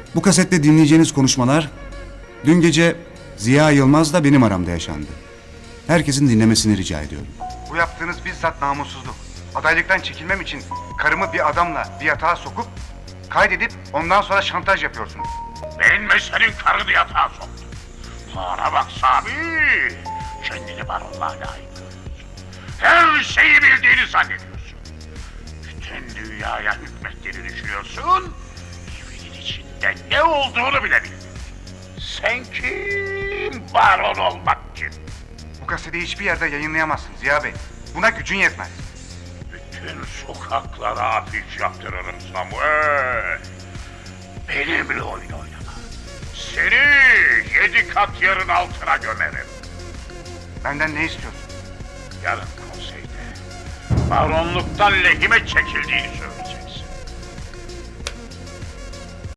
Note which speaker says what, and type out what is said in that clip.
Speaker 1: Bu kasette dinleyeceğiniz konuşmalar dün gece Ziya Yılmaz'la benim aramda yaşandı. Herkesin dinlemesini rica ediyorum.
Speaker 2: Bu yaptığınız bizzat namussuzluk. Adaylıktan çekilmem için karımı bir adamla bir yatağa sokup kaydedip ondan sonra şantaj yapıyorsunuz.
Speaker 3: Ben ve senin karını yatağa soktum. Bana bak Sami. Kendini baronluğa layık görüyorsun. Her şeyi bildiğini zannediyorsun. Bütün dünyaya hükmettiğini düşünüyorsun. Evinin içinde ne olduğunu bile bilmiyorsun. Sen kim? Baron olmak kim?
Speaker 2: Bu kaseti hiçbir yerde yayınlayamazsın Ziya Bey. Buna gücün yetmez.
Speaker 3: Bütün sokaklara afiş yaptırırım Samuel. Benimle oyun oynama. Seni 7 kat yerin altına gömerim.
Speaker 2: Benden ne istiyorsun?
Speaker 3: Yarın konseyde baronluktan lehime çekildiğini söyle.